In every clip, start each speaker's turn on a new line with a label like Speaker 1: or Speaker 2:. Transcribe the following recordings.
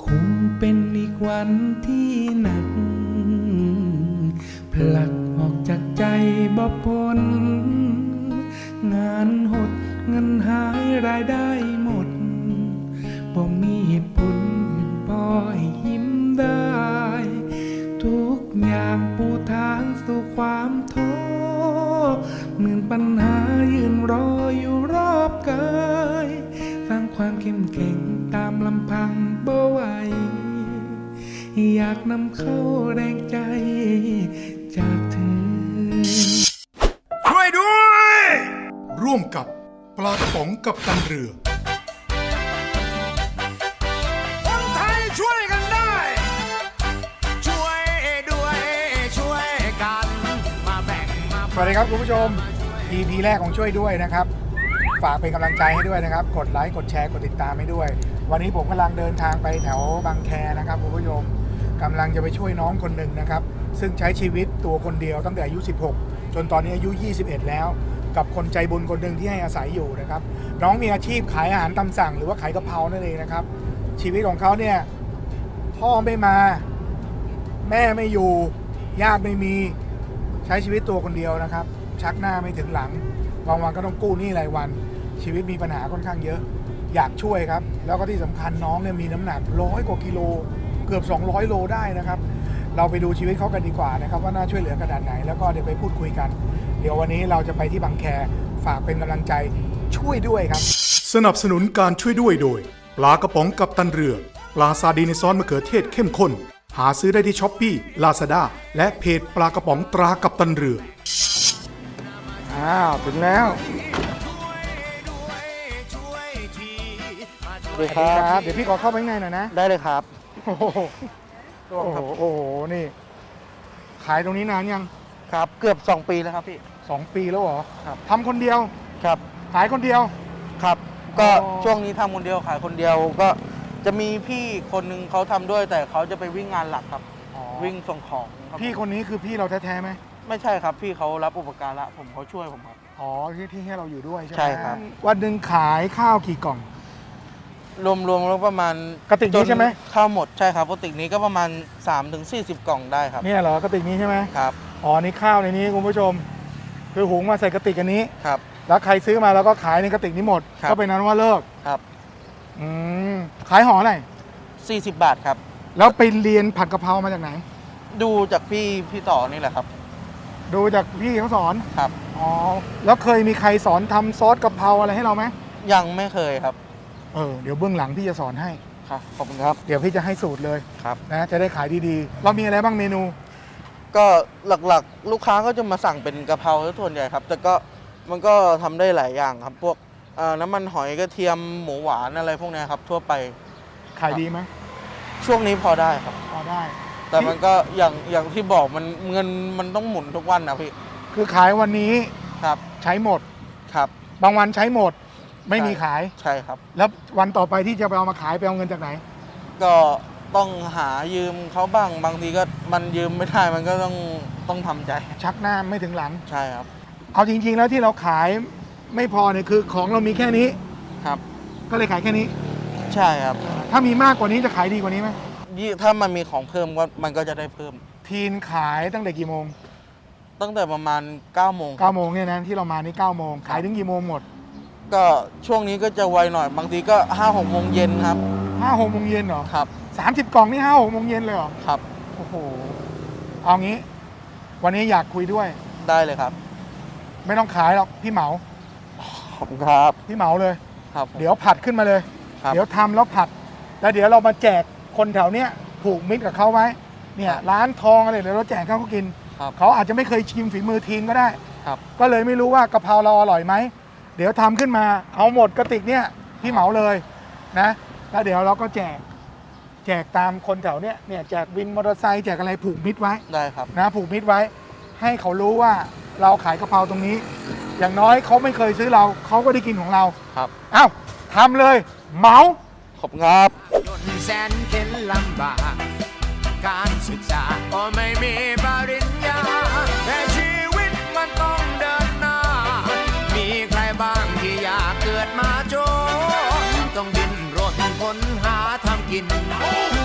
Speaker 1: คงเป็นอีกวันที่หนักผลักออกจากใจบ่พ้นงานหดเงินหายรายได้หมดบ่มีเหตุผลอื่นพอให้ยิ้มได้ทุกอย่างปูทางสู่ความท้อหมื่นปัญหายืนรออยู่รอบกายสร้างความเข้มแข็งตามลำพังบ่ไหวอยากนำเข้าแรงใจจากเธอ
Speaker 2: ช่วยด้วยร่วมกับปลากระป๋องกับตันเรือ
Speaker 3: คนไทยช่วยกันได้ช่วยด้วยช่วยกันมาแบ่งมา
Speaker 4: สวัสดีครับคุณผู้ชม EP แรกของช่วยด้วยนะครับฝากเป็นกำลังใจให้ด้วยนะครับกดไลค์กดแชร์กดติดตามให้ด้วยวันนี้ผมกำลังเดินทางไปแถวบางแคนะครับคุณผู้ชมกำลังจะไปช่วยน้องคนหนึ่งนะครับซึ่งใช้ชีวิตตัวคนเดียวตั้งแต่อายุ16จนตอนนี้อายุ21แล้วกับคนใจบุญคนหนึ่งที่ให้อาศัยอยู่นะครับน้องมีอาชีพขายอาหารตามสั่งหรือว่าขายกะเพรานั่นเองนะครับชีวิตของเขาเนี่ยพ่อไม่มาแม่ไม่อยู่ญาติไม่มีใช้ชีวิตตัวคนเดียวนะครับชักหน้าไม่ถึงหลังบางวันก็ต้องกู้หนี้รายวันชีวิตมีปัญหาค่อนข้างเยอะอยากช่วยครับแล้วก็ที่สำคัญน้องเนี่ยมีน้ำหนัก100 กว่ากิโลเกือบ200 โลได้นะครับเราไปดูชีวิตเขากันดีกว่านะครับว่าน่าช่วยเหลือขนาดไหนแล้วก็เดี๋ยวไปพูดคุยกันเดี๋ยววันนี้เราจะไปที่บางแคฝากเป็นกำลังใจช่วยด้วยครับ
Speaker 2: สนับสนุนการช่วยด้วยโดยปลากระป๋องกับตันเรือปลาซาดีในซอสมะเขือเทศเข้มข้นหาซื้อได้ที่ช้อปปี้ลาซาด้าและเพจปลากระป๋องตรากับตันเรือ
Speaker 4: ถึงแล้ว
Speaker 5: สวัสดีครับ
Speaker 4: เดี๋ยวพี่ขอเข้าไปข้างในหน่อยนะ
Speaker 5: ได้เลยครับ
Speaker 4: โอ้โหนี่ขายตรงนี้นานยัง
Speaker 5: ครับเกือบ2 ปีแล้วครับพี่
Speaker 4: 2 ปีแล้วเหรอ
Speaker 5: ครับ
Speaker 4: ทำคนเดียว
Speaker 5: ครับ
Speaker 4: ขายคนเดียว
Speaker 5: ครับก็ช่วงนี้ทำคนเดียวขายคนเดียวก็จะมีพี่คนนึงเขาทำด้วยแต่เขาจะไปวิ่งงานหลักครับวิ่งส่งของครับ
Speaker 4: พี่คนนี้คือพี่เราแท้ๆไหม
Speaker 5: ไม่ใช่ครับพี่เขารับอุปการะผมเขาช่วยผมครับ
Speaker 4: ที่ให้เราอยู่ด้วยใช่ไหม
Speaker 5: ใช่ครับ
Speaker 4: วันหนึ่งขายข้าวกี่กล่อง
Speaker 5: รวมแล้วประมาณ
Speaker 4: กระติกนี้ใช่ไหม
Speaker 5: ข้าวหมดใช่ครับกระติกนี้ก็ประมาณ3-40 กล่องได้ครับ
Speaker 4: เนี่ยเหรอกระติกนี้ใช่ไหม
Speaker 5: ครับ
Speaker 4: นี่ข้าวในนี้คุณผู้ชมคือหุงมาใส่กระติกอันนี้
Speaker 5: ครับ
Speaker 4: แล้วใครซื้อมาแล้วก็ขายในกระติกนี้หมดก็เป็นนั้นว่าเลิก
Speaker 5: ครับ
Speaker 4: ขายห่อไหน
Speaker 5: 40 บาทครับ
Speaker 4: แล้วไปเรียนผัดกะเพรามาจากไหน
Speaker 5: ดูจากพี่ต่อนี่แหละครับ
Speaker 4: ดูจากพี่เขาสอน
Speaker 5: ครับ
Speaker 4: แล้วเคยมีใครสอนทำซอสกะเพราอะไรให้เราไหม
Speaker 5: ยังไม่เคยครับ
Speaker 4: เดี๋ยวเบื้องหลังพี่จะสอนให้
Speaker 5: ครับขอบคุณครับ
Speaker 4: เดี๋ยวพี่จะให้สูตรเลย
Speaker 5: ครับ
Speaker 4: นะจะได้ขายดีๆเรามีอะไรบ้างเมนู
Speaker 5: ก็หลักๆลูกค้าก็จะมาสั่งเป็นกะเพราส่วนใหญ่ครับแต่ก็มันก็ทำได้หลายอย่างครับพวกน้ำมันหอยกระเทียมหมูหวานอะไรพวกนี้ครับทั่วไป
Speaker 4: ขายดีไหม
Speaker 5: ช่วงนี้พอได้ครับ
Speaker 4: พอได้
Speaker 5: แต่มันก็อย่างที่บอกมันเงินมันต้องหมุนทุกวันนะพี่
Speaker 4: คือขายวันนี้
Speaker 5: ครับ
Speaker 4: ใช้หมด
Speaker 5: ครับ
Speaker 4: บางวันใช้หมดไม่มีขาย
Speaker 5: ใช่ครับ
Speaker 4: แล้ววันต่อไปที่จะไปเอามาขายไปเอาเงินจากไหน
Speaker 5: ก็ต้องหายืมเขาบ้างบางทีก็มันยืมไม่ได้มันก็ต้องทำใจ
Speaker 4: ชักหน้าไม่ถึงหลัง
Speaker 5: ใช่ครับ
Speaker 4: เอาจริงๆแล้วที่เราขายไม่พอเนี่ยคือของเรามีแค่นี้
Speaker 5: ครับ
Speaker 4: ก็เลยขายแค่นี้
Speaker 5: ใช่ครับ
Speaker 4: ถ้ามีมากกว่านี้จะขายดีกว่านี้ไหม
Speaker 5: ถ้ามันมีของเพิ่มก็มันก็จะได้เพิ่ม
Speaker 4: ทีนขายตั้งแต่กี่โมง
Speaker 5: ตั้งแต่ประมาณ9 โมง
Speaker 4: เนี่ยนะที่เรามานี่9 โมงขายถึงกี่โมงหมด
Speaker 5: ก็ช่วงนี้ก็จะไวหน่อยบางทีก็5-6 โมงเย็นครับ
Speaker 4: 5-6 โมงเย็นเหรอ
Speaker 5: ครับ
Speaker 4: 30 กล่องนี่5-6 โมงเย็นเลยเหรอ
Speaker 5: ครับ
Speaker 4: โอ้โหเอางี้วันนี้อยากคุยด้วย
Speaker 5: ได้เลยครับ
Speaker 4: ไม่ต้องขายหรอกพี่เหมา
Speaker 5: ขอบคุณครับ
Speaker 4: พี่เหมาเลย
Speaker 5: ครับ
Speaker 4: เดี๋ยวผัดขึ้นมาเลยเดี๋ยวทำแล้วผัดแล้วเดี๋ยวเรามาแจกคนแถวเนี้ยผูกมิตรกับเขาไว้เนี่ยร้านทองอะไรเดี๋ยวเราแจกเขากินเขาอาจจะไม่เคยชิมฝีมือทีนก็ได้ก็เลยไม่รู้ว่ากะเพราเราอร่อยไหมเดี๋ยวทำขึ้นมาเอาหมดกระติกเนี่ยพี่เหมาเลยนะแล้วเดี๋ยวเราก็แจกตามคนแถวเนี้ยแจกวินมอเตอร์ไซค์แจกอะไรผูกมิตรไว้
Speaker 5: ได้ครับ
Speaker 4: นะผูกมิตรไว้ให้เขารู้ว่าเราขายกะเพราตรงนี้อย่างน้อยเขาไม่เคยซื้อเราเขาก็ได้กินของเรา
Speaker 5: ครับ
Speaker 4: เอ้าทำเลยเหมา
Speaker 5: ขอบคุณครับ
Speaker 3: แสนเข็นลำบากการศึกษาก็ไม่มีปริญญาแต่ชีวิตมันต้องเดินหน้ามีใครบ้างที่อยากเกิดมาจนต้องดิ้นรนค้นหาทำกิน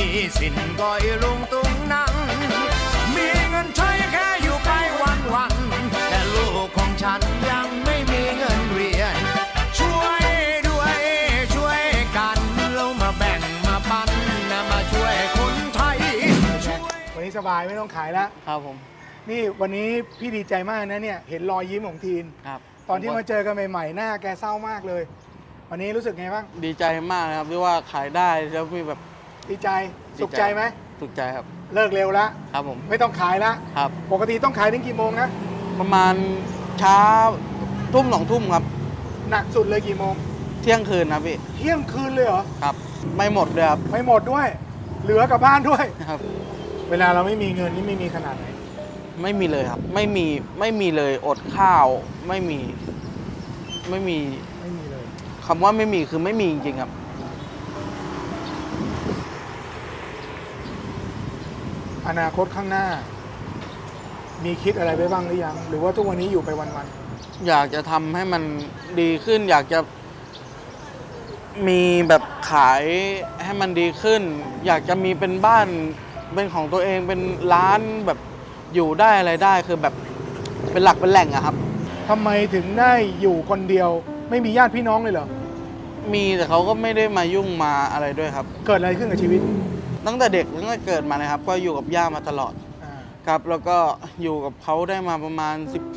Speaker 3: มีสินก็อีลุงตุงนังมีเงินใช้แค่อยู่ไปวันๆแต่ลูกของฉันยังไม่มีเงินเรียนช่วยด้วยช่วยกันเรามาแบ่งมาปันนะมาช่วยคนไทยช่วย
Speaker 4: วันนี้สบายไม่ต้องขายแล้ว
Speaker 6: ครับผม
Speaker 4: นี่วันนี้พี่ดีใจมากนะเนี่ยเห็นรอยยิ้มของทีน
Speaker 6: ครับ
Speaker 4: ตอนที่มาเจอกันใหม่ๆหน้าแกเศร้ามากเลย วันนี้รู้สึกไงบ้าง
Speaker 6: ดีใจมากนะครับที่ว่าขายได้แล้วมีแบบ
Speaker 4: ดีใจสุขใจไหม
Speaker 6: สุขใจครับ
Speaker 4: เลิกเร็วแล้ว
Speaker 6: ครับผม
Speaker 4: ไม่ต้องขายแล้ว
Speaker 6: ครับ
Speaker 4: ปกติต้องขายถึงกี่โมงนะ
Speaker 6: ประมาณเช้าทุ่ม2 ทุ่มครับ
Speaker 4: หนักสุดเลยกี่โมง
Speaker 6: เที่ยงคืนนะพี่
Speaker 4: เที่ยงคืนเลยเหรอ
Speaker 6: ครับ ไม่หมดเลยครับ
Speaker 4: ไม่หมดด้วย เหลือกลับบ้านด้วย
Speaker 6: ครับ
Speaker 4: เวลาเราไม่มีเงินนี่ไม่มีขนาดไหน
Speaker 6: ไม่มีเลยครับ ไม่มีเลยอดข้าว ไม่มี
Speaker 4: ไม่มีเลย
Speaker 6: คำว่าไม่มีคือไม่มีจริงๆครับ
Speaker 4: อนาคตข้างหน้า มีคิดอะไรไว้บ้างหรือยัง หรือว่าทุกวันนี้อยู่ไปวัน
Speaker 6: อยากจะทำให้มันดีขึ้น อยากจะมีแบบขายให้มันดีขึ้น อยากจะมีเป็นบ้านเป็นของตัวเองเป็นร้านแบบอยู่ได้อะไรได้คือแบบเป็นหลักเป็นแหล่งอะครับ
Speaker 4: ๆทำไมถึงได้อยู่คนเดียว ไม่มีญาติพี่น้องเลยเหรอ
Speaker 6: มีแต่เขาก็ไม่ได้มายุ่งมาอะไรด้วยครับ
Speaker 4: เกิดอะไรขึ้นกับชีวิต
Speaker 6: ตั้งแต่เด็กตั้งแต่เกิดมานะครับ ก็อยู่กับย่ามาตลอด
Speaker 4: อ่า
Speaker 6: ครับ แล้วก็อยู่กับเขาได้มาประมาณ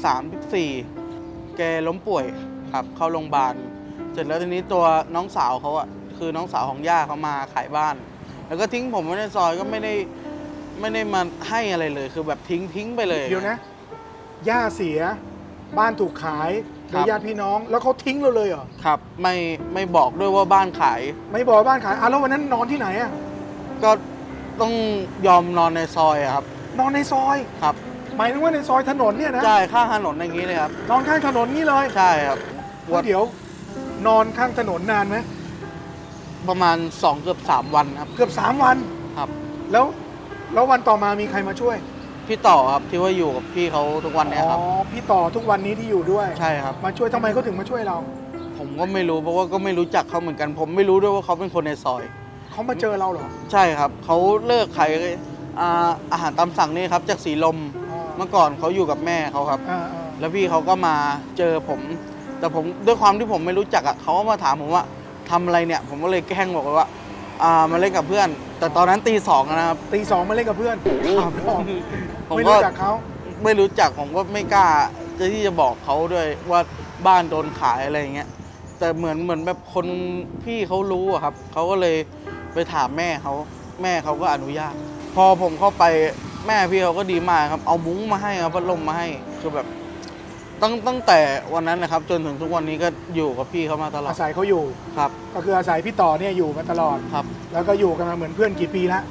Speaker 6: 13-14 แกล้มป่วยครับเข้าโรงพยาบาลเสร็จแล้วทีนี้ตัวน้องสาวเขาอะคือน้องสาวของย่าเขามาขายบ้าน แล้วก็ทิ้งผมไว้ในซอยก็ไม่ได้มาให้อะไรเลย คือแบบทิ้งไปเลย
Speaker 4: เดี๋ยวนะ ย่าเสีย บ้านถูกขายโด
Speaker 6: ครั
Speaker 4: ย
Speaker 6: บ
Speaker 4: ญาติพี่น้อง แล้วเขาทิ้งเราเลยเหรอ
Speaker 6: ครับไม่บอกด้วยว่าบ้านขาย
Speaker 4: ไม่บอกว่าบ้านขายแล้ววันนั้นนอนที่ไหนอะ
Speaker 6: ก็ต้องยอมนอนในซอยอะครับ
Speaker 4: นอนในซอย
Speaker 6: ครับ
Speaker 4: หมายถึงว่าในซอยถนนเนี่ยนะ
Speaker 6: ใช่ข้างถนนอย่างนี้เลยครับ
Speaker 4: นอนข้างถนนนี่เลย
Speaker 6: ใช่ครับ
Speaker 4: เดี๋ยว นอนข้างถนนนานไหม
Speaker 6: ประมาณ2 เกือบ 3 วันครับ
Speaker 4: เกือบ3 วัน
Speaker 6: ครับ
Speaker 4: แล้ววันต่อมามีใครมาช่วย
Speaker 6: พี่ต่อครับที่ว่าอยู่กับพี่เขาทุกวันเนี้ยครับ
Speaker 4: อ๋อ พี่ต่อทุกวันนี้ที่อยู่ด้วย
Speaker 6: ใช่ครับ
Speaker 4: มาช่วยทำไมเขาถึงมาช่วยเรา
Speaker 6: ผมก็ไม่รู้เพราะว่าก็ไม่รู้จักเขาเหมือนกัน ผมไม่รู้ด้วยว่าเขาเป็นคนในซอย
Speaker 4: เขามาเจอเราเหรอ
Speaker 6: ใช่ครับเขาเลิกขายอาหารตามสั่งนี่ครับจากสีลม
Speaker 4: อ๋อ
Speaker 6: เมื่อก่อนเขาอยู่กับแม่เขาครับ
Speaker 4: อ่า
Speaker 6: แล้วพี่เขาก็มาเจอผม แต่ผมด้วยความที่ผมไม่รู้จักอ่ะเขาก็มาถามผมว่าทำอะไรเนี่ย ผมก็เลยแกล้งบอกไปว่ามาเล่นกับเพื่อน แต่ตอนนั้นตี 2นะครับ
Speaker 4: ตี 2มาเล่นกับเพื่อน
Speaker 6: ผม
Speaker 4: ไม่
Speaker 6: ก็
Speaker 4: รู้จักเขา
Speaker 6: ไม่รู้จักผมก็ไม่กล้าที่จะบอกเขาด้วยว่าบ้านโดนขายอะไรอย่างเงี้ยแต่เหมือนแบบคนพี่เขารู้อะครับเขาก็เลยไปถามแม่เขาก็อนุญาต พอผมเข้าไปแม่พี่เขาก็ดีมากครับเอามุ้งมาให้ครับพัดลมมาให้คือแบบตั้งแต่วันนั้นนะครับ จนถึงทุกวันนี้ก็อยู่กับพี่เขามาตลอด
Speaker 4: อาศัยเขาอยู่
Speaker 6: ครับ
Speaker 4: ก็คืออาศัยพี่ต่อเนี่ยอยู่มาตลอด
Speaker 6: ครับ
Speaker 4: แล้วก็อยู่กันมาเหมือนเพื่อนกี่ปีแล้ว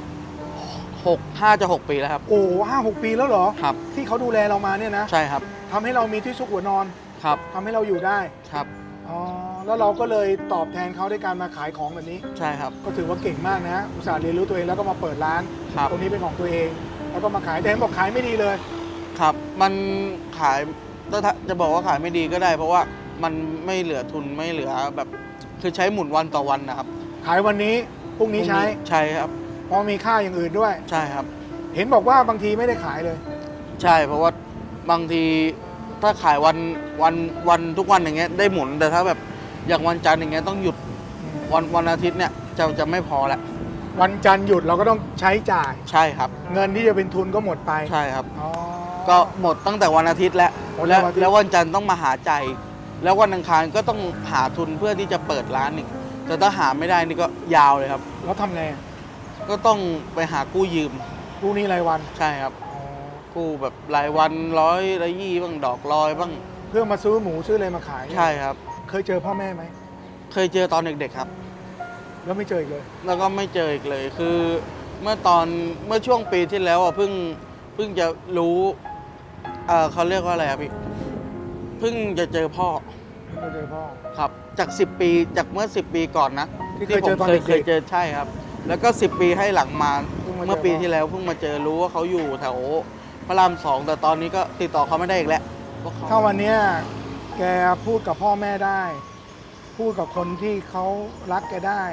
Speaker 6: 5 จะ 6 ปีแล้วครับ
Speaker 4: โอ้5-6 ปีแล้วเหรอ
Speaker 6: ครับ
Speaker 4: ที่เขาดูแลเรามาเนี่ยนะ
Speaker 6: ใช่ครับ
Speaker 4: ทำให้เรามีที่ซุกหัวนอน
Speaker 6: ครับ
Speaker 4: ทำให้เราอยู่ได้
Speaker 6: ครับ
Speaker 4: อ๋อ แล้วเราก็เลยตอบแทนเขาด้วยการมาขายของแบบนี้
Speaker 6: ใช่ครับ
Speaker 4: ก็ถือว่าเก่งมากนะ อุตส่าห์เรียนรู้ตัวเองแล้วก็มาเปิดร้าน
Speaker 6: ครับ
Speaker 4: ตรงนี้เป็นของตัวเอง แล้วก็มาขายแต่เห็นบอกขายไม่ดีเลย
Speaker 6: ครับมันขายถ้าจะบอกว่าขายไม่ดีก็ได้ เพราะว่ามันไม่เหลือทุนไม่เหลือแบบคือใช้หมุนวันต่อวันนะครับ
Speaker 4: ขายวันนี้พรุ่งนี้ใช้
Speaker 6: ใช่ครับ
Speaker 4: เพราะมีค่าอย่างอื่นด้วย
Speaker 6: ใช่ครับ
Speaker 4: เห็นบอกว่าบางทีไม่ได้ขายเลย
Speaker 6: ใช่เพราะว่าบางทีถ้าขายวันทุกวันอย่างเงี้ยได้หมุนแต่ถ้าแบบอย่างวันจันทร์อย่างเงี้ยต้องหยุดวันอาทิตย์เนี่ยจะไม่พอละ
Speaker 4: วันจันทร์หยุดเราก็ต้องใช้จ่าย
Speaker 6: ใช่ครับ
Speaker 4: เงินที่จะเป็นทุนก็หมดไป
Speaker 6: ใช่ครับ
Speaker 4: อ๋อ
Speaker 6: ก็หมดตั้งแต่วันอาทิตย์แล้ว
Speaker 4: หมดตั้งแต่วันอาทิตย์
Speaker 6: แล้ววันจันทร์ต้องมาหาใจายแล้ววันอังคารก็ต้องหาทุนเพื่อที่จะเปิดร้านอีกแต่ถ้าหาไม่ได้นี่ก็ยาวเลยครับ
Speaker 4: แล้วทำไง
Speaker 6: ก็ต้องไปหากู้ยืม
Speaker 4: พรุ่งนี้รายวัน
Speaker 6: ใช่ครับ
Speaker 4: อ๋อ
Speaker 6: กู้แบบรายวัน100 120บ้างดอกลอยบ้าง
Speaker 4: เพื่อมาซื้อหมูซื้ออะไรมาขาย
Speaker 6: ใช่ครับ
Speaker 4: เคยเจอพ่อแม่ไหม
Speaker 6: เคยเจอตอนเด็กๆครับ
Speaker 4: แล้วไม่เจออีกเลย
Speaker 6: แล้วก็ไม่เจออีกเลยคือเมื่อช่วงปีที่แล้วอ่ะเพิ่งจะรู้เขาเรียกว่าอะไรครับพี่เพิ่งจะเจอพ่อ
Speaker 4: ไม่เจอพ่อ
Speaker 6: ครับจาก10 ปีจากเมื่อ10 ปีก่อนนะ
Speaker 4: ที่เคยเจอ
Speaker 6: ผม
Speaker 4: ตอนเด็กๆ
Speaker 6: เคยเจอใช่ครับ แล้วก็10 ปีให้หลังมา
Speaker 4: เพิ่งมาเจอ
Speaker 6: เมื่อปีที่แล้วเพิ่งมาเจอรู้ว่าเขาอยู่แถวพระราม 2แต่ตอนนี้ก็ติดต่อเขาไม่ได้อีกแล้วเพราะเขา
Speaker 4: ถ้าวันเนี้ยแกพูดกับพ่อแม่ได้ พูดกับคนที่เขารักแกได้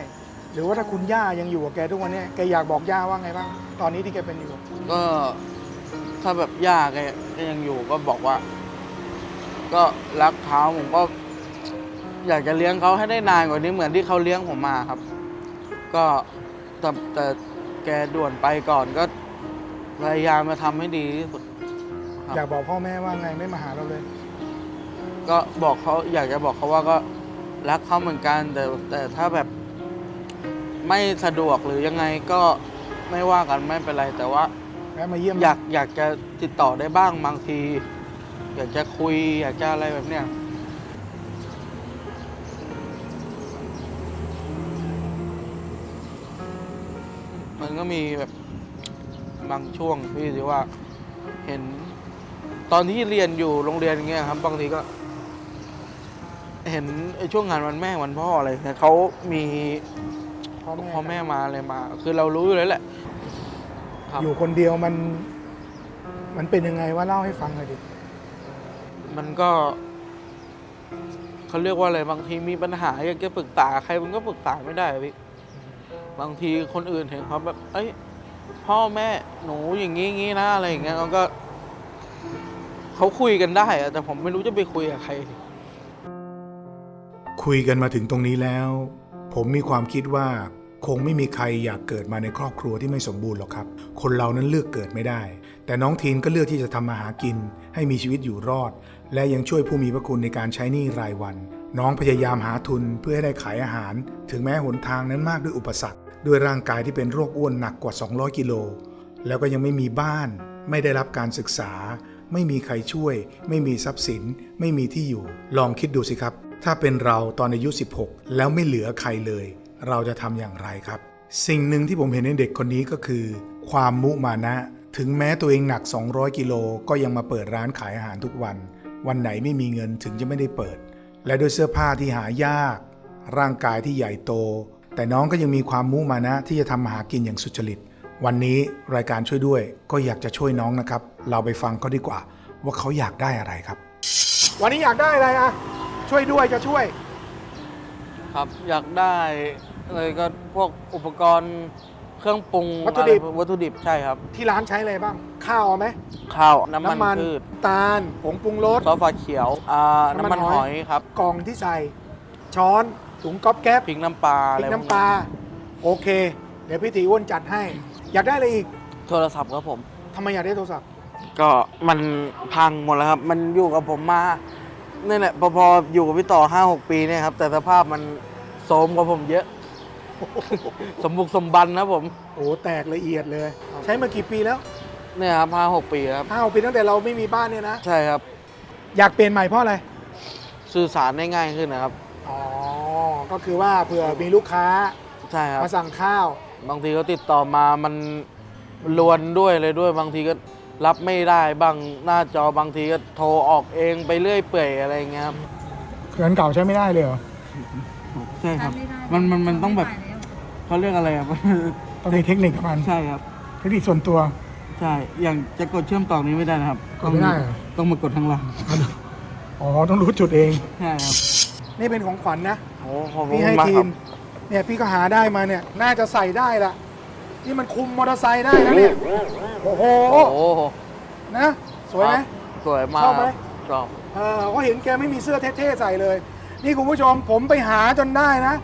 Speaker 4: หรือว่าถ้าคุณย่ายังอยู่กับแกทุกวันนี้แกอยากบอกย่าว่าไงบ้างตอนนี้ที่แกเป็นอยู่
Speaker 6: ก็ถ้าแบบย่าแกยังอยู่ก็บอกว่า ก็รักเขาผมก็ อยากจะเลี้ยงเขาให้ได้นานกว่านี้เหมือนที่เขาเลี้ยงผมมาครับ ก็แต่แกด่วนไปก่อนก็พยายามมาทำให้ดีที่สุดครับ
Speaker 4: อยากบอกพ่อแม่ว่าไงไม่มาหาเราเลย
Speaker 6: ก็บอกเขาอยากจะบอกเขาว่าก็รักเขาเหมือนกัน แต่ถ้าแบบไม่สะดวกหรือยังไงก็ไม่ว่ากันไม่เป็นไร แต่ว่า
Speaker 4: แวะมาเยี่ยม
Speaker 6: อยากจะติดต่อได้บ้างบางที อยากจะคุย อยากจะอะไรแบบเนี้ยมันก็มีแบบบางช่วงที่ว่าเห็นตอนที่เรียนอยู่โรงเรียนอย่างเงี้ยครับบางทีก็ เห็นไอ้ช่วงงานวันแม่วันพ่ออะไรเนี่ยเขามี พ่อแม่มาอะไรมา คือเรารู้อยู่แล้วแหละครับ
Speaker 4: อยู่คนเดียวมันเป็นยังไงว่าเล่าให้ฟังหน่อยดิ
Speaker 6: มันก็เขาเรียกว่าอะไรบางทีมีปัญหาอยากจะปรึกษาใครมันก็ปรึกษาไม่ได้อะพี่บางทีคนอื่นเห็นเขาแบบเอ้ยพ่อแม่หนูอย่างงี้นะอะไรอย่างเงี้ยมันก็เขาคุยกันได้อะแต่ผมไม่รู้จะไปคุยกับใคร
Speaker 2: คุยกันมาถึงตรงนี้แล้ว ผมมีความคิดว่าคงไม่มีใครอยากเกิดมาในครอบครัวที่ไม่สมบูรณ์หรอกครับ คนเรานั้นเลือกเกิดไม่ได้ แต่น้องทีนก็เลือกที่จะทำมาหากินให้มีชีวิตอยู่รอด และยังช่วยผู้มีพระคุณในการใช้หนี้รายวัน น้องพยายามหาทุนเพื่อให้ได้ขายอาหาร ถึงแม้หนทางนั้นมากด้วยอุปสรรคด้วยร่างกายที่เป็นโรคอ้วนหนักกว่า200กิโลแล้วก็ยังไม่มีบ้าน ไม่ได้รับการศึกษา ไม่มีใครช่วย ไม่มีทรัพย์สิน ไม่มีที่อยู่ ลองคิดดูสิครับ ถ้าเป็นเราตอนอายุ16แล้วไม่เหลือใครเลย เราจะทำอย่างไรครับ สิ่งหนึ่งที่ผมเห็นในเด็กคนนี้ก็คือ ความมุมานะ ถึงแม้ตัวเองหนัก200กิโลก็ยังมาเปิดร้านขายอาหารทุกวัน วันไหนไม่มีเงินถึงจะไม่ได้เปิด และด้วยเสื้อผ้าที่หายาก ร่างกายที่ใหญ่โต แต่น้องก็ยังมีความมุมานะที่จะทำมาหากินอย่างสุจริต วันนี้รายการช่วยด้วยก็อยากจะช่วยน้องนะครับ เราไปฟังเขาดีกว่าว่าเขาอยากได้อะไรครับ
Speaker 4: วันนี้อยากได้อะไรอะช่วยด้วยจะช่วย
Speaker 6: ครับอยากได้เลยก็พวกอุปกรณ์เครื่องปรุง
Speaker 4: วัตถุดิบ
Speaker 6: อะไรวัตถุดิบใช่ครับ
Speaker 4: ที่ร้านใช้อะไรบ้าง ข้าวเอาไหม
Speaker 6: ข้าวน้ำมันพืช
Speaker 4: ตาลผงปรุงรส
Speaker 6: ซอสฟ้าเขียวน้ำมันหอยครับ
Speaker 4: กล่องที่ใส่ช้อนถุงก๊อบแก๊บ
Speaker 6: พริกน้ำปลา
Speaker 4: พ
Speaker 6: อะไร
Speaker 4: ริก
Speaker 6: พวก
Speaker 4: น้ำปลาโอเค เดี๋ยวพี่ตีอ้วนจัดให้ อยากได้อะไรอีก
Speaker 6: โทรศัพท์ครับผม
Speaker 4: ทำไมอยากได้โทรศัพท์
Speaker 6: ก็มันพังหมดแล้วครับ มันอยู่กับผมมานี่แหละพออยู่กับพี่ต่อ 5-6 ปีเนี่ยครับแต่สภาพมันโทรมกว่าผมเยอะ สมบุกสมบันนะผม
Speaker 4: โอ้แตกละเอียดเลย ใช้มากี่ปีแล้ว
Speaker 6: เนี่ยครับ5-6 ปีครับ
Speaker 4: 5 ปีตั้งแต่เราไม่มีบ้านเนี่ยนะ
Speaker 6: ใช่ครับ
Speaker 4: อยากเปลี่ยนใหม่เพราะอะไร
Speaker 6: สื่อสารได้ง่ายขึ้นนะครับ
Speaker 4: อ๋อ ก็คือว่าเผื่อมีลูกค้า
Speaker 6: ใช่ครับ
Speaker 4: มาสั่งข้าว
Speaker 6: บางทีเขาติดต่อมามันลวนด้วยเลยด้วย บางทีก็รับไม่ได้บางหน้าจอบางทีก็โทรออกเองไปเรื่อยเปื่อยอะไรอย่างเงี้ยครับ
Speaker 4: เครื่องเก่าใช้ไม่ได้เลยเหรอ
Speaker 6: ใช่ครับมันต้องแบบเขาเรียกอะไรอ่ะ
Speaker 4: ต้องมีเทคนิคกับมัน
Speaker 6: ใช่ครับ
Speaker 4: เทคนิคส่วนตัว
Speaker 6: ใช่ อย่างจะกดเชื่อมต่อนี้ไม่ได้นะครับ
Speaker 4: กดไม่ได้เหรอ
Speaker 6: ต้องมากดทางหลัง
Speaker 4: อ๋อ ต้องรู้จุดเอง
Speaker 6: ใช่ครับ
Speaker 4: นี่เป็นของขวัญนะ
Speaker 6: โอ้ขอบคุ
Speaker 4: พี่
Speaker 6: ณ
Speaker 4: ให้
Speaker 6: มาก
Speaker 4: ที
Speaker 6: ครั
Speaker 4: ม
Speaker 6: บ
Speaker 4: เนี่ยพี่ก็หาได้มาเนี่ย น่าจะใส่ได้ละนี่มันคุมมอเตอร์ไซค์ได้นะเนี่ย โอ้โห
Speaker 6: โอ้โห
Speaker 4: นะ สวยไหม
Speaker 6: สวยมาก
Speaker 4: ชอบไหม
Speaker 6: ชอบ
Speaker 4: ก็เห็นแกไม่มีเสื้อเท่ๆใส่เลย นี่คุณผู้ชมผมไปหาจนได้นะ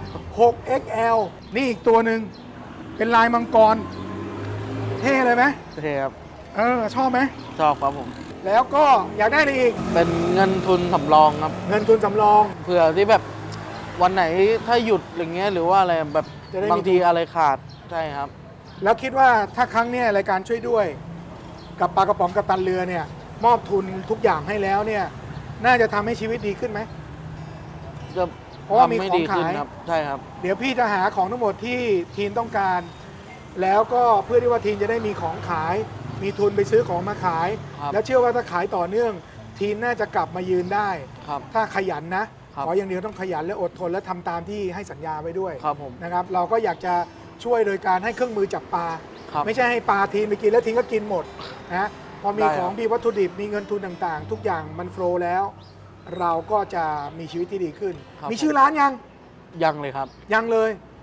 Speaker 4: 6XL นี่อีกตัวหนึ่งเป็นลายมังกร เท่เลยไหม
Speaker 6: โอเคครับ
Speaker 4: ชอบไหม
Speaker 6: ชอบครับผม
Speaker 4: แล้วก็อยากได้อะไรอีก
Speaker 6: เป็นเงินทุนสำรองครับ
Speaker 4: เงินทุนสำรอง
Speaker 6: เผื่อที่แบบวันไหนถ้าหยุดอย่างเงี้ยหรือว่าอะไรแบบ
Speaker 4: จะได้มี
Speaker 6: บางทีอะไรขาดใช่ครับ
Speaker 4: แล้วคิดว่าถ้าครั้งเนี้ยรายการช่วยด้วย กับปลากระป๋องกัปตันเรือเนี่ย มอบทุนทุกอย่างให้แล้วเนี่ย น่าจะทำให้ชีวิตดีขึ้นไหม
Speaker 6: จะ
Speaker 4: เพราะว่ามี
Speaker 6: ทำให้
Speaker 4: ของ
Speaker 6: ดีขึ้น
Speaker 4: ขาย
Speaker 6: ครับ ใช่ครับ
Speaker 4: เดี๋ยวพี่จะหาของทั้งหมดที่ทีนต้องการ แล้วก็เพื่อที่ว่าทีนจะได้มีของขาย มีทุนไปซื้อของมาขาย
Speaker 6: ครับ
Speaker 4: แล้วเชื่อว่าถ้าขายต่อเนื่อง ทีนน่าจะกลับมายืนได้
Speaker 6: ครับ
Speaker 4: ถ้าขยันนะ
Speaker 6: ครับ
Speaker 4: ขออย่างเดียวต้องขยันและอดทนและทำตามที่ให้สัญญาไว้ด้วย
Speaker 6: ครับผม
Speaker 4: นะครับ เราก็อยากจะช่วยโดยการให้เครื่องมือจับปลา
Speaker 6: ครับ
Speaker 4: ไม่ใช่ให้ปลาทีนไปกินแล้วทีนก็กินหมดนะพอมี
Speaker 6: ได้ครับ
Speaker 4: ของมีวัตถุดิบมีเงินทุนต่างๆ ทุกอย่างมันโฟลว์แล้ว เราก็จะมีชีวิตที่ดีขึ้น มีชื่อร้านยัง
Speaker 6: ยังเลยครับ
Speaker 4: ยังเลย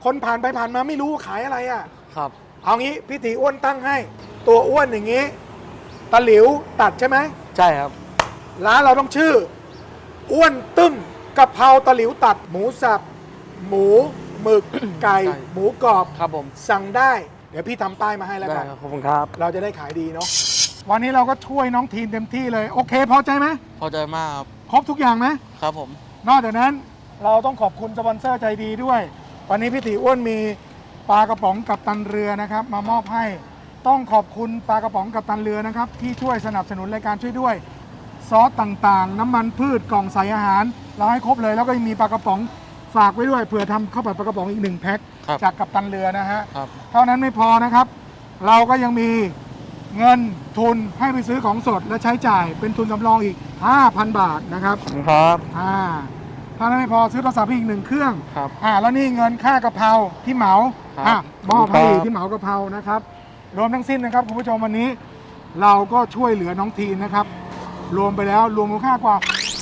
Speaker 4: คนผ่านไปผ่านมาไม่รู้ขายอะไรอ่ะ
Speaker 6: ครับ
Speaker 4: เอางี้พี่ตีอ้วนตั้งให้ ตัวอ้วนอย่างงี้ตะหลิวตัดใช่ไหม
Speaker 6: ใช่ครับ
Speaker 4: ร้านเราต้องชื่อ อ้วนตึ้มกะเพราตะหลิวตัด หมูสับ หมูหมึก ไก่
Speaker 6: ไก่
Speaker 4: หมูกรอบ
Speaker 6: ครับผม
Speaker 4: สั่งได้ เดี๋ยวพี่ทำป้ายมาให้แล้ว
Speaker 6: ได้
Speaker 4: กัน
Speaker 6: ครับขอบคุณครับ
Speaker 4: เราจะได้ขายดีเนาะวันนี้เราก็ช่วยน้องทีนเต็มที่เลย โอเคพอใจไหม
Speaker 6: พอใจมากครับ
Speaker 4: ครบทุกอย่างไหม
Speaker 6: ครับผม
Speaker 4: นอกจากนั้นเราต้องขอบคุณสปอนเซอร์ใจดีด้วย วันนี้พี่ตีอ้วนมีปลากระป๋องกับตันเรือนะครับมามอบให้ต้องขอบคุณปลากระป๋องกับตันเรือนะครับที่ช่วยสนับสนุนรายการช่วยด้วยซอสต่างๆ น้ำมันพืชกล่องใส่อาหาร เราให้ครบเลยแล้วก็ยังมีปลากระป๋องฝากไว้ด้วยเผื่อทำข้าวผัดปลากระป๋องอีก1 แพ็ค
Speaker 6: ครับ
Speaker 4: จากกับตันเรือนะฮะ
Speaker 6: ครับ
Speaker 4: เท่านั้นไม่พอนะครับ เราก็ยังมีเงินทุนให้ไปซื้อของสดและใช้จ่ายเป็นทุนสำรองอีก 5,000 บาทนะครับ
Speaker 6: ครับ
Speaker 4: ถ้านั้นไม่พอซื้อโทรศัพท์อีก1 เครื่อง
Speaker 6: ครับ
Speaker 4: แล้วนี่เงินค่ากะเพราที่เหมา
Speaker 6: ครับ
Speaker 4: มอบให้
Speaker 6: ครับ
Speaker 4: ที่เหมากะเพรานะครับ รวมทั้งสิ้นนะครับคุณผู้ชมวันนี้ เราก็ช่วยเหลือน้องทีนนะครับ รวมไปแล้วรวมมูลค่ากว่า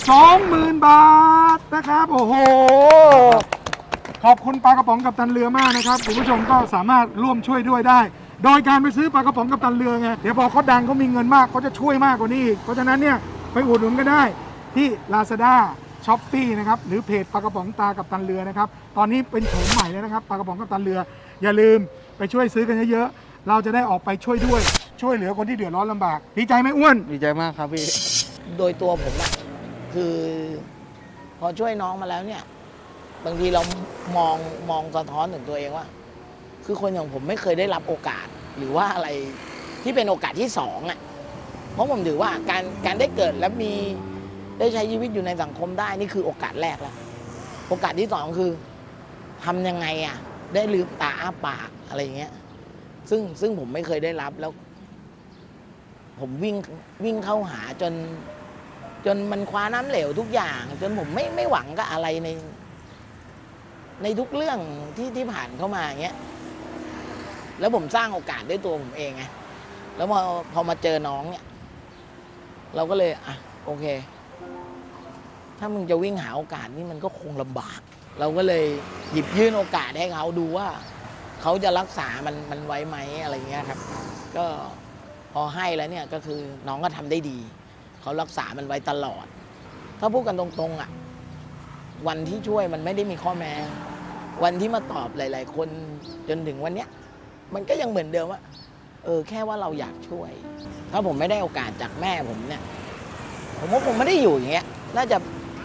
Speaker 4: 20,000 บาทนะครับ โอ้โห ขอบคุณปลากระป๋องกับตันเรือมากนะครับคุณผู้ชมก็สามารถร่วมช่วยด้วยได้ โดยการไปซื้อปลากระป๋องกับตันเรือไงเดี๋ยวพอเขาดังเขามีเงินมากเขาจะช่วยมากกว่านี้อีกเพราะฉะนั้นเนี่ยไปอุดหนุนก็ได้ที่ Lazada Shopee นะครับหรือเพจปลากระป๋องตากับตันเรือนะครับตอนนี้เป็นโฉมใหม่แล้วนะครับปลากระป๋องกับตันเรือ อย่าลืมไปช่วยซื้อกันเยอะๆเราจะได้ออกไปช่วยด้วยช่วยเหลือคนที่เดือดร้อนลำบากดีใจไหมอ้วน
Speaker 6: ดีใจมากครับพี่
Speaker 7: โดยตัวผมอะคือพอช่วยน้องมาแล้วเนี่ย บางทีเรามองสะท้อนถึงตัวเองว่า คือคนอย่างผมไม่เคยได้รับโอกาส หรือว่าอะไรที่เป็นโอกาสที่สองอะเพราะผมถือว่าการได้เกิดและมีได้ใช้ชีวิตอยู่ในสังคมได้นี่คือโอกาสแรกแล้วโอกาสที่สองคือทำยังไงอะได้ลืมตาอ้าปากอะไรอย่างเงี้ยซึ่งผมไม่เคยได้รับแล้ว ผมวิ่งเข้าหาจนมันคว้าน้ำเหลวทุกอย่าง จนผมไม่หวังกับอะไรในทุกเรื่องที่ผ่านเข้ามาอย่างเงี้ยแล้วผมสร้างโอกาสด้วยตัวผมเองไงแล้วพอมาเจอน้องเนี่ยเราก็เลยอ่ะโอเค ถ้ามึงจะวิ่งหาโอกาสนี่มันก็คงลำบาก เราก็เลยหยิบยื่นโอกาสให้เขาดูว่าเขาจะรักษามันไว้ไหมอะไรเงี้ยครับ ก็พอให้แล้วเนี่ยก็คือน้องก็ทำได้ดีเขารักษามันไว้ตลอด ถ้าพูดกันตรงๆอ่ะวันที่ช่วยมันไม่ได้มีข้อแม้วันที่มาตอบหลายๆคนจนถึงวันเนี้ยมันก็ยังเหมือนเดิมว่าแค่ว่าเราอยากช่วย ถ้าผมไม่ได้โอกาสจากแม่ผมเนี่ยผมว่าผมไม่ได้อยู่อย่างเงี้ยน่าจะ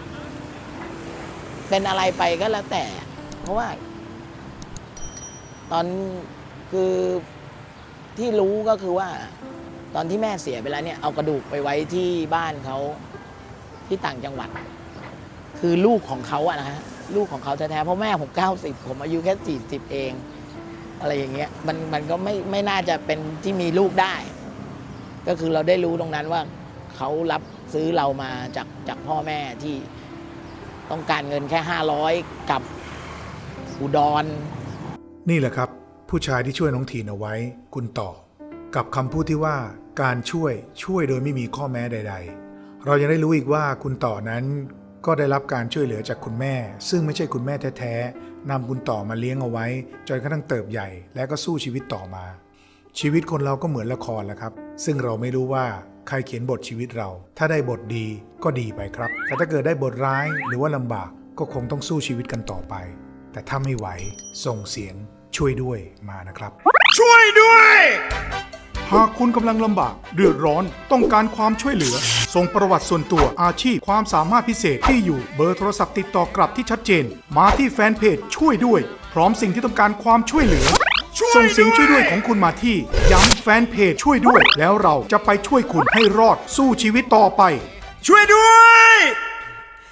Speaker 7: เป็นอะไรไปก็แล้วแต่ เพราะว่าตอนคือที่รู้ก็คือว่าตอนที่แม่เสียไปแล้วเนี่ยเอากระดูกไปไว้ที่บ้านเขาที่ต่างจังหวัด คือลูกของเขาอะนะฮะลูกของเขาแท้ๆเพราะแม่ผม90ผมอายุแค่40เองอะไรอย่างเงี้ยมันก็ไม่น่าจะเป็นที่มีลูกได้ ก็คือเราได้รู้ตรงนั้นว่าเขารับซื้อเรามาจากพ่อแม่ที่ต้องการเงินแค่500กับอุดร
Speaker 2: นี่แหละครับ ผู้ชายที่ช่วยน้องทีนเอาไว้ คุณต่อ กับคำพูดที่ว่าการช่วยโดยไม่มีข้อแม้ใดๆ เรายังได้รู้อีกว่าคุณต่อนั้นก็ได้รับการช่วยเหลือจากคุณแม่ ซึ่งไม่ใช่คุณแม่แท้ๆนำคุณต่อมาเลี้ยงเอาไว้จนกระทั่งเติบใหญ่และก็สู้ชีวิตต่อมา ชีวิตคนเราก็เหมือนละครแหละครับซึ่งเราไม่รู้ว่าใครเขียนบทชีวิตเรา ถ้าได้บทดีก็ดีไปครับแต่ถ้าเกิดได้บทร้ายหรือว่าลำบากก็คงต้องสู้ชีวิตกันต่อไปแต่ถ้าไม่ไหวส่งเสียงช่วยด้วยมานะครับ
Speaker 1: ช่วยด้วย หากคุณกำลังลำบากเดือดร้อนต้องการความช่วยเหลือส่งประวัติส่วนตัวอาชีพความสามารถพิเศษที่อยู่เบอร์โทรศัพท์ติดต่อกลับที่ชัดเจนมาที่แฟนเพจช่วยด้วยพร้อมสิ่งที่ต้องการความช่วยเหลือส่งเสียงช่วยด้วยของคุณมาที่ย้ำแฟนเพจช่วยด้วยแล้วเราจะไปช่วยคุณให้รอดสู้ชีวิตต่อไป ช่วยด้วย